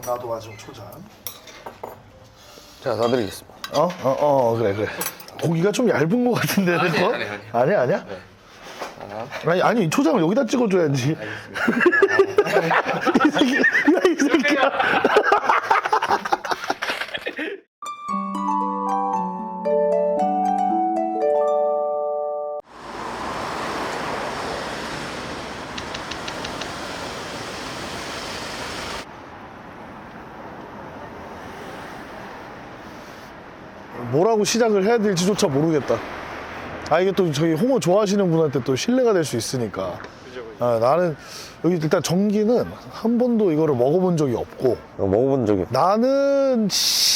나도 마지막 초장. 제가 사드리겠습니다. 그래. 고기가 좀 얇은 것 같은데, 내 거? 아니야? 네. 아니, 초장을 여기다 찍어줘야지. 이 새끼야. 뭐라고 시작을 해야 될지조차 모르겠다. 이게 또 저희 홍어 좋아하시는 분한테 또 신뢰가 될 수 있으니까. 나는 여기 일단 전기는 한 번도 이거를 먹어본 적이 없고, 먹어본 적이 없어요. 나는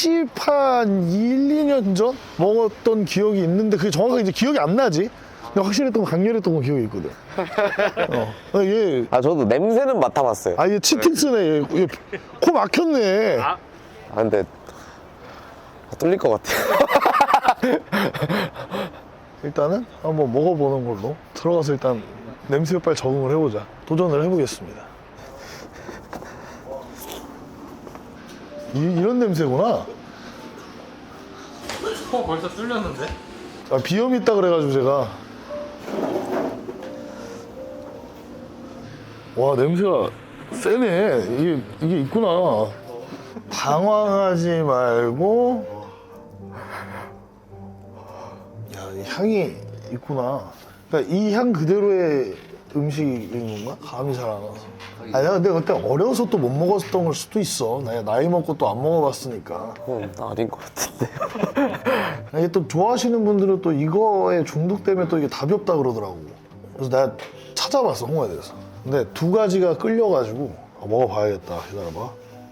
2년 전 먹었던 기억이 있는데 그게 정확하게 이제 기억이 안 나지. 근데 확실했던 거, 강렬했던 거 기억이 있거든. 얘 저도 냄새는 맡아봤어요. 얘 치팅스네. 얘 코 막혔네. 근데 뚫릴 것 같아요. 일단은 한번 먹어보는 걸로 들어가서 일단 냄새에 빨리 적응을 해보자. 도전을 해보겠습니다. 이런 냄새구나. 벌써 뚫렸는데? 비염이 있다 그래가지고 제가. 와, 냄새가 세네. 이게 있구나. 당황하지 말고. 이 향이 있구나. 그러니까 이 향 그대로의 음식인 건가? 감이 잘 안 와서. 내가 근데 그때 어려서 또 못 먹었던 걸 수도 있어. 내가 나이 먹고 또 안 먹어봤으니까. 아닌 것 같은데. 이게 또 좋아하시는 분들은 또 이거에 중독되면 또 이게 답이 없다 그러더라고. 그래서 내가 찾아봤어, 홍어에 대해서. 근데 두 가지가 끌려가지고 먹어봐야겠다. 기다려봐.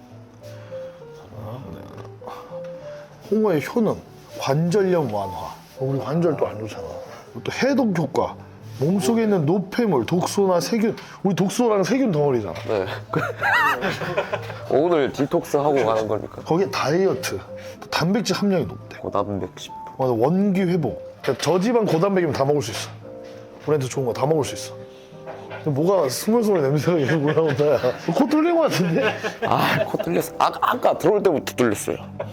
홍어의 효능, 관절염 완화. 우리 관절도 안 좋잖아. 또 해독 효과, 몸속에 있는 노폐물, 독소나 세균. 우리 독소랑 세균 덩어리잖아. 네. 오늘 디톡스 하고 가는 거니까. 거기에 다이어트, 또 단백질 함량이 높대. 고단 110. 맞아, 원기 회복. 그러니까 저지방 고단백이면 다 먹을 수 있어. 브랜드 좋은 거 다 먹을 수 있어. 근데 뭐가 스멀스멀 냄새가 계속 올라온다. 코 뚫린 거 같은데? 코 뚫렸어. 아까 들어올 때부터 뚫렸어요.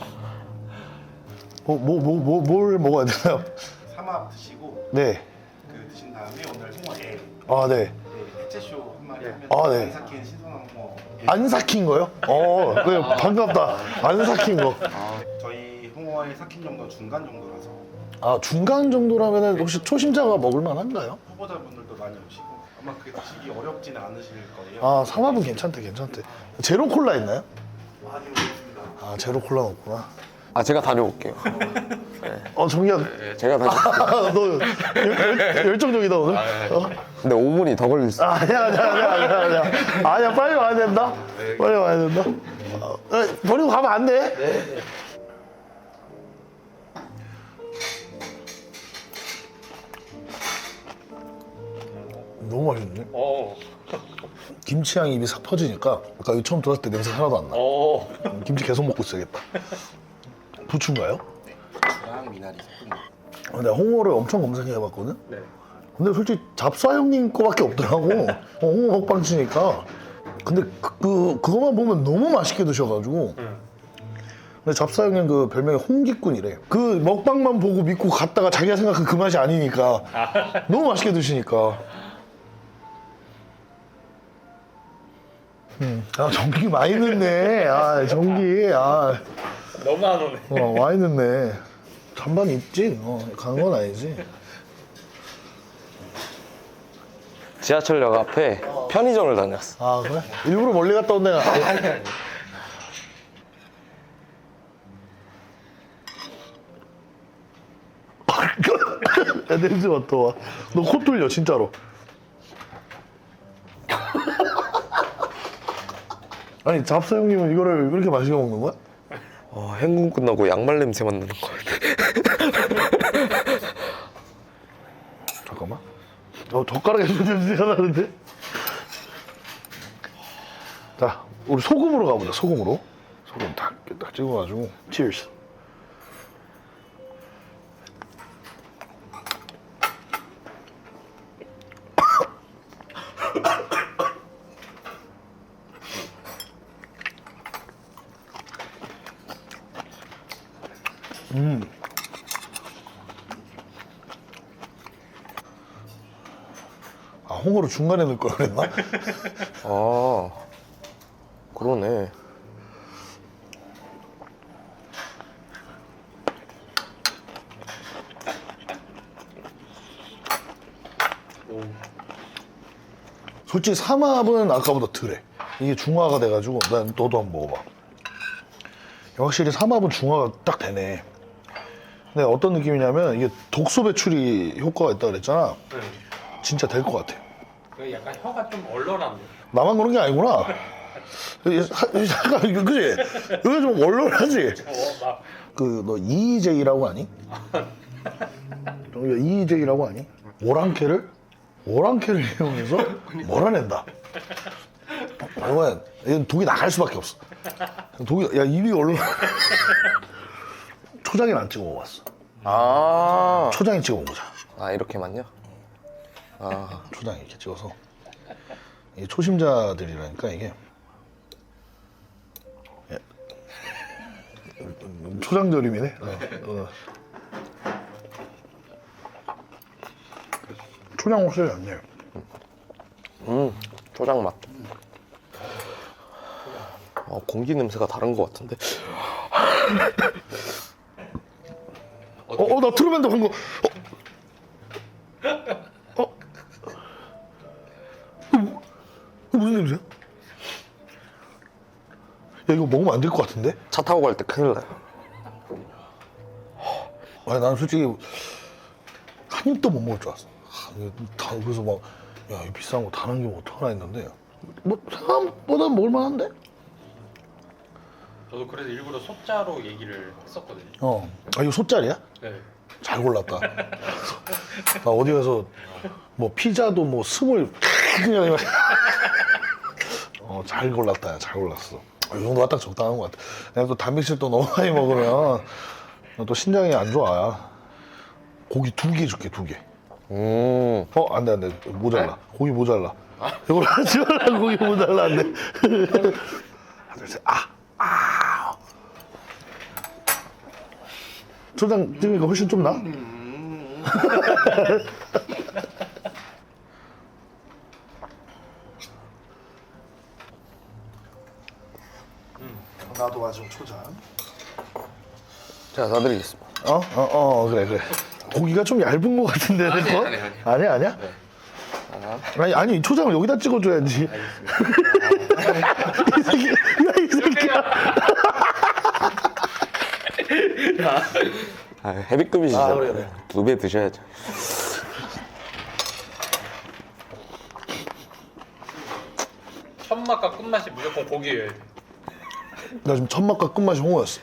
뭘 먹어야 되나요? 삼합 드시고 네. 드신 다음에 오늘 홍어에 네. 해체쇼 한 마리 하면 네. 안 삭힌 신선한 홍어 안 삭힌 거요? 네, 반갑다. 안 삭힌 거. 저희 홍어의 삭힌 정도는 중간 정도라서 중간 정도라면 혹시 초심자가 먹을 만한가요? 후보자분들도 많이 오시고 아마 그게 드시기 어렵지는 않으실 거예요. 삼합은 괜찮대. 제로 콜라 있나요? 많이 오셨습니다. 제로 콜라는 없구나. 제가 다녀올게요. 정기야. 제가 다녀올게요. 너 열정적이다, 오늘. 근데 5분이 더 걸릴 수 있어요. 아니야, 빨리 와야 된다. 빨리 와야 된다. 버리고 가면 안 돼. 네. 너무 맛있네. 김치 향이 입에 싹 퍼지니까 아까 여기 처음 들어왔을 때 냄새 하나도 안 나. 김치 계속 먹고 있어야겠다. 부추인가요? 부추랑 미나리 섞은 거. 내가 홍어를 엄청 검색해봤거든? 네. 근데 솔직히 잡사 형님 거밖에 없더라고. 홍어 먹방 치니까. 근데 그거만 보면 너무 맛있게 드셔가지고. 근데 잡사 형님 그 별명이 홍기꾼이래. 그 먹방만 보고 믿고 갔다가 자기가 생각한 그 맛이 아니니까. 너무 맛있게 드시니까. 전기 많이 넣네. 전기. 너무 안 오네. 많이 넣네. 잔반 있지? 가는 건 아니지. 지하철역 앞에 편의점을 다녔어. 그래? 일부러 멀리 갔다 온 데가 아니. 야, 냄새 맡아 와. 너 코 뚫려 진짜로. 아니 잡사 형님은 이거를 왜 그렇게 맛있게 먹는 거야? 행군 끝나고 양말 냄새만 나는 거 같아. 잠깐만. 젓가락에 냄새가 나는데? 자, 우리 소금으로 가보자. 소금 딱 찍어가지고. Cheers. 아, 홍어를 중간에 넣을 걸 그랬나? 아, 그러네. 솔직히 삼합은 아까보다 덜해. 이게 중화가 돼가지고 난 너도 한번 먹어봐. 확실히 삼합은 중화가 딱 되네. 근데 어떤 느낌이냐면 이게 독소 배출이 효과가 있다 그랬잖아. 네. 진짜 될 것 같아. 그 약간 혀가 좀 얼얼한데. 나만 그런 게 아니구나. 잠깐 그지? 여기 좀 얼얼하지? 막 그 너 EJ라고 아니? 여기가 EJ라고 아니? 오랑캐를 이용해서 몰아낸다. 이건 독이 나갈 수밖에 없어. 독이 야 입이 얼얼. 초장에는 안 찍어 먹어봤어. 아, 초장에 찍어 먹자. 아 이렇게만요? 아, 초장 이렇게 찍어서. 이게 초심자들이라니까 이게. 예. 초장절임이네. 초장 확실히 안 내. 초장 맛. 공기 냄새가 다른 것 같은데. 나 트루맨도 간 거. 이거 무슨 냄새야? 야, 이거 먹으면 안 될 것 같은데? 차 타고 갈 때 큰일 나요. 아니, 나는 솔직히 한 입도 못 먹을 줄 알았어. 이거 다 그래서 막, 야, 이 비싼 거 다 남기면 어떡하나 했는데, 뭐, 생각보다 먹을만한데? 저도 그래서 일부러 소자로 얘기를 했었거든요. 아, 이거 소짜리야? 네. 잘 골랐다. 나 어디 가서 뭐 피자도 뭐 스물 그냥 잘 골랐다. 야, 잘 골랐어. 이 정도가 딱 적당한 것 같아. 내가 또 단백질 또 너무 많이 먹으면 또 신장이 안 좋아. 고기 2개 줄게, 2개. 안 돼. 모자라. 고기 모자라. 이걸 하지 말라. 고기 모자라. 안 돼. 하나, 둘, 셋. 초장 찍으니까 훨씬 좀 나? 나도 마지막 초장. 제가 사드리겠습니다. 그래. 고기가 좀 얇은 것 같은데, 아니, 아니야? 아니, 초장을 여기다 찍어줘야지. 이 새끼야. 헤비급이시잖아요. 그래. 2배 드셔야죠. 첫 맛과 끝맛이 무조건 고기예요. 나 지금 첫 맛과 끝맛이 홍어였어.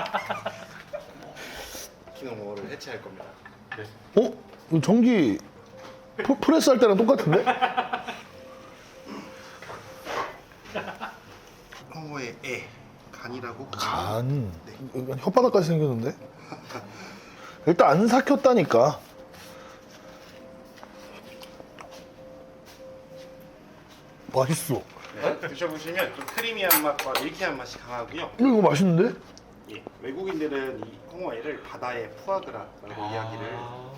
키노모어를 해체할 겁니다. 이거 전기 프레스 할 때랑 똑같은데? 홍어의 간이라고. 간. 이건 혓바닥까지 생겼는데? 일단 안 삭혔다니까. 맛있어. 네, 드셔보시면 좀 크리미한 맛과 밀키한 맛이 강하고요. 이거 맛있는데? 예, 외국인들은 이 홍어회를 바다의 푸아그라라고 이야기를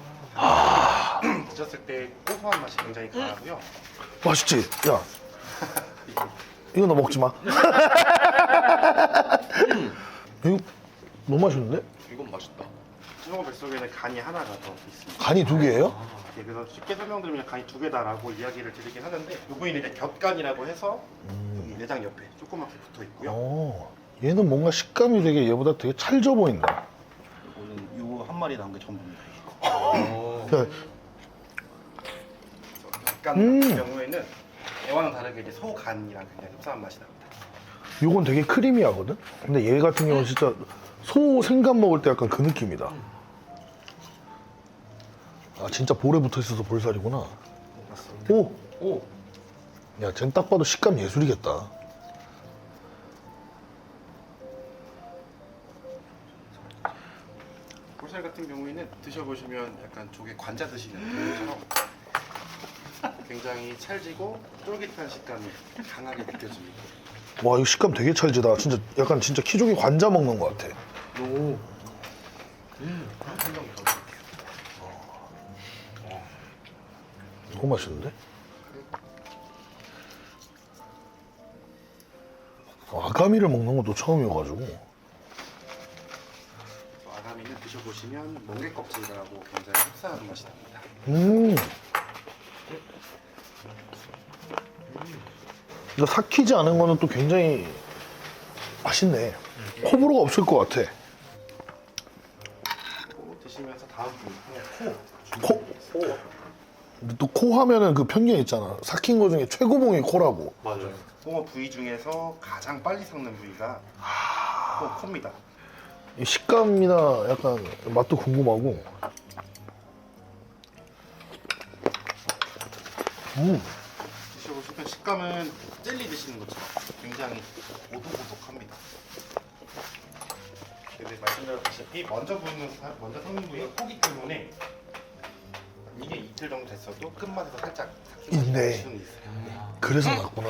드셨을 때 고소한 맛이 굉장히 강하고요. 맛있지? 야. 이거 너 먹지 마. 이거 너무 맛있는데? 이건 맛있다. 홍어 뱃속에는 간이 하나가 더 있습니다. 간이 2개예요? 예, 그래서 쉽게 설명드리면 간이 2개다라고 이야기를 드리긴 하는데 이 부위는 이제 곁간이라고 해서 여기 내장 옆에 조그맣게 붙어 있고요. 얘는 뭔가 식감이 되게 얘보다 되게 찰져 보인다. 이거는 요 한 마리 나온 게 전부입니다. 야, 곁간 같은 경우에는 애와는 다르게 이제 소간이랑 굉장히 흡사한 맛이 납니다. 요건 되게 크리미하거든? 근데 얘 같은 경우는 진짜 소 생간 먹을 때 약간 그 느낌이다. 아, 진짜 볼에 붙어 있어서 볼살이구나. 맞습니다. 오! 야, 쟨 딱 봐도 식감 예술이겠다. 볼살 같은 경우에는 드셔보시면 약간 조개 관자 드시는 것처럼 굉장히 찰지고 쫄깃한 식감이 강하게 느껴집니다. 와, 이거 식감 되게 찰지다. 진짜 약간 진짜 키조개 관자 먹는 것 같아. 한 점 더 드릴게요. 너무 맛있는데? 아가미를 먹는 것도 처음이어가지고. 아가미는 드셔보시면 멍게 껍질하고 굉장히 흡사한 맛이 납니다. 이거 삭히지 않은 거는 또 굉장히 맛있네. 호불호가 없을 것 같아. 드시면서 다음 부위 코. 근데 또 코 하면은 그 편견 있잖아. 삭힌 거 중에 최고봉이 코라고. 맞아요. 홍어 부위 중에서 가장 빨리 삭는 부위가 코입니다. 이 식감이나 약간 맛도 궁금하고. 드셔보시면 식감은 젤리 드시는 것처럼 굉장히 오독오독합니다. 근데 말씀드렸다시피 먼저 삭는 부위가 코기 때문에 이게 이틀 정도 됐어도 끝맛에서 살짝 삭히는 있네. 수는 있어요. 그래서 났구나.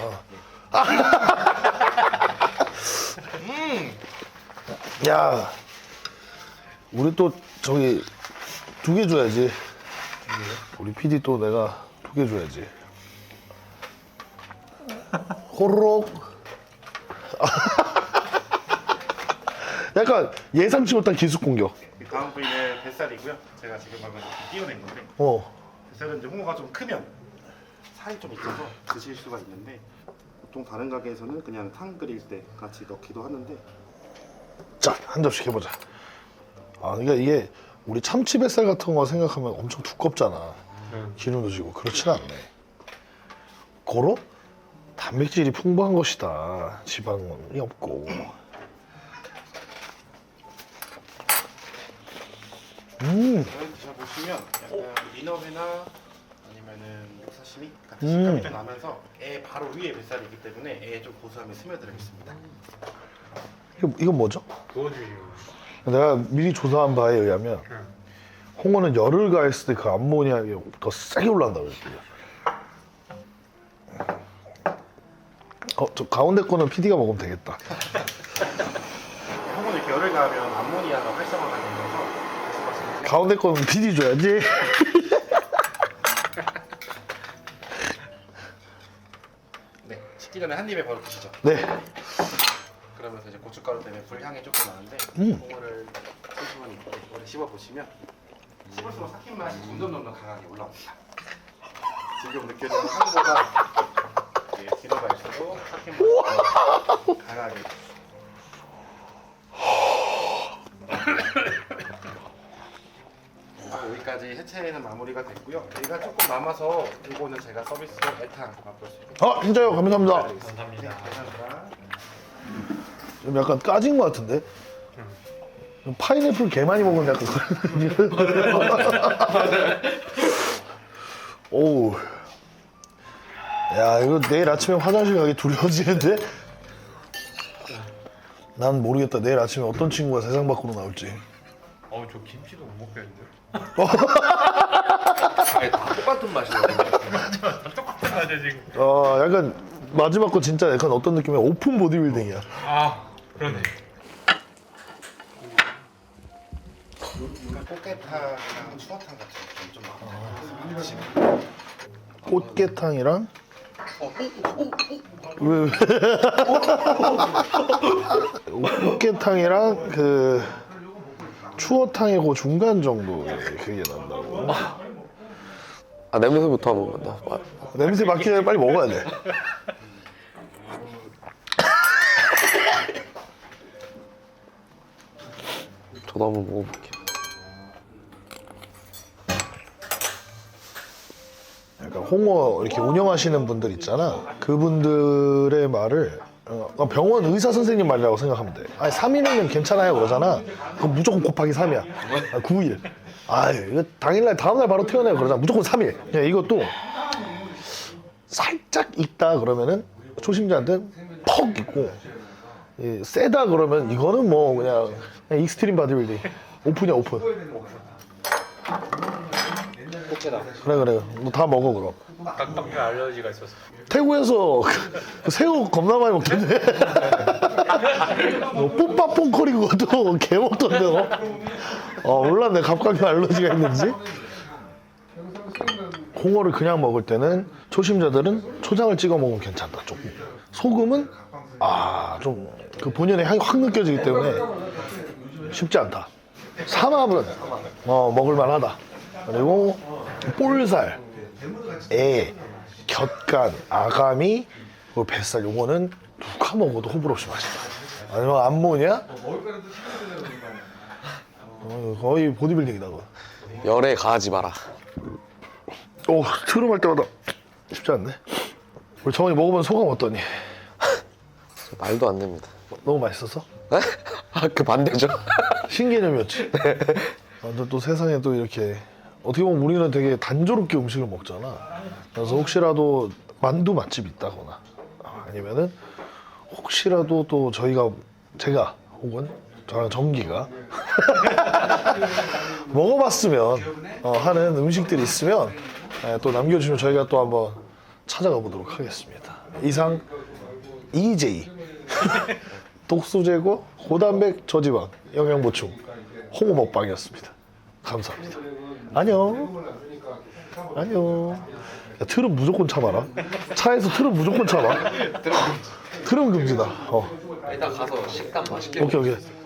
야, 우리 또 저기 2개 줘야지. 우리 PD 또 내가 2개 줘야지. 호로록. 약간 예상치 못한 기습 공격. 다음 부위는 뱃살이고요. 제가 지금 방금 띄어낸 건데 어. 뱃살은 이제 홍어가 좀 크면 살이 좀 있어서 드실 수가 있는데 보통 다른 가게에서는 그냥 탕 끓일 때 같이 넣기도 하는데 자, 한 접시 해보자. 아, 그러니까 이게 우리 참치 뱃살 같은 거 생각하면 엄청 두껍잖아. 기름도 지고 그렇진 않네. 고로 단백질이 풍부한 것이다. 지방이 없고. 이걸 드셔보시면 약간 민어회나 아니면은 육사시미 같은 식감이 좀 나면서 애 바로 위에 뱃살이기 때문에 애에 좀 고소함이 스며들어 있습니다. 이건 뭐죠? 구워주시는 내가 미리 조사한 바에 의하면 홍어는 열을 가했을 때 그 암모니아가 더 세게 올라간다고 그랬거든요. 저 가운데 거는 PD가 먹으면 되겠다. 홍어는 이렇게 열을 가하면 암모니아가 활성화가 되면서 말씀하신 가운데 거는 PD 줘야지. 네, 식기 전에 한 입에 바로 드시죠. 네. 그러면서 이제 고춧가루 때문에 불향이 조금 나는데 홍어를 천천히 오래 씹어보시면 씹을수록 삭힌 맛이 점점 강하게 올라옵니다. 지금 느껴지는 향보다 뒤로 갈수록 삭힌 맛이 더 강하게 여기까지 해체는 마무리가 됐고요. 여기가 조금 남아서 이거는 제가 서비스로 애탕 맛볼 수 있게 진짜요? 감사합니다. 감사합니다. 감사합니다. 좀 약간 까진 것 같은데? 파인애플 개 많이 먹으면 약간 오우. 야, 이거 내일 아침에 화장실 가기 두려워지는데? 난 모르겠다. 내일 아침에 어떤 친구가 세상 밖으로 나올지. 저 김치도 못 먹겠는데? 다 똑같은 맛이에요. 똑같은 맛이야 지금. 약간 마지막 거 진짜 약간 어떤 느낌이야? 오픈 보디빌딩이야. 그러네. 꽃게탕이랑 추어탕 같은 게좀 많아요. 꽃게탕이랑 왜? 꽃게탕이랑 그 추어탕의 그 중간 정도 그게 난다고. 아, 냄새부터 한번 맡아. 냄새 맡기 전에 빨리 먹어야 돼. 저도 한번 먹어볼게요. 약간 홍어 이렇게 운영하시는 분들 있잖아. 그분들의 말을 병원 의사 선생님 말이라고 생각하면 돼. 아니 3일이면 괜찮아요 그러잖아. 그럼 무조건 곱하기 3이야. 9일. 이거 당일날 다음날 바로 퇴원해요 그러잖아. 무조건 3일. 그냥 이것도 살짝 있다 그러면은 초심자한테 퍽 있고 세다 그러면 이거는 뭐 그냥 익스트림 바디빌딩. 오픈이야 오픈. 그래 너 다 먹어 그럼. 닭똥에 알러지가 있어서. 태국에서 그 새우 겁나 많이 먹던데. 뽀빠 뽕커리 그것도 개 먹던데. 몰랐네. 갑각류 알러지가 있는지. 홍어를 그냥 먹을 때는 초심자들은 초장을 찍어 먹으면 괜찮다. 조금. 소금은 좀 그 본연의 향이 확 느껴지기 때문에 쉽지 않다. 삼합은 먹을만하다. 그리고 볼살, 애, 곁간, 아가미, 그리고 뱃살 요거는 누가 먹어도 호불호 없이 맛있다. 아니면 암모니아? 거의 보디빌딩이다 그거. 열에 가하지 마라. 트름할 때마다 쉽지 않네. 우리 정원이 먹어본 소감 어떠니? 말도 안 됩니다. 너무 맛있었어? 네? 그 반대죠. 신개념이었지. 근데 또 세상에 또 이렇게 어떻게 보면 우리는 되게 단조롭게 음식을 먹잖아. 그래서 혹시라도 만두 맛집 있다거나 아니면은 혹시라도 또 제가 혹은 저랑 정기가 먹어봤으면 하는 음식들이 있으면 또 남겨주시면 저희가 또 한번 찾아가 보도록 하겠습니다. 이상 EJ 독소 제거, 고단백, 저지방, 영양 보충 홍어 먹방이었습니다. 감사합니다. 안녕. 야, 틀은 무조건 참아라. 차에서 틀은 무조건 참아. 틀은 금지다. 일단 가서 식단 맛있게 오케이.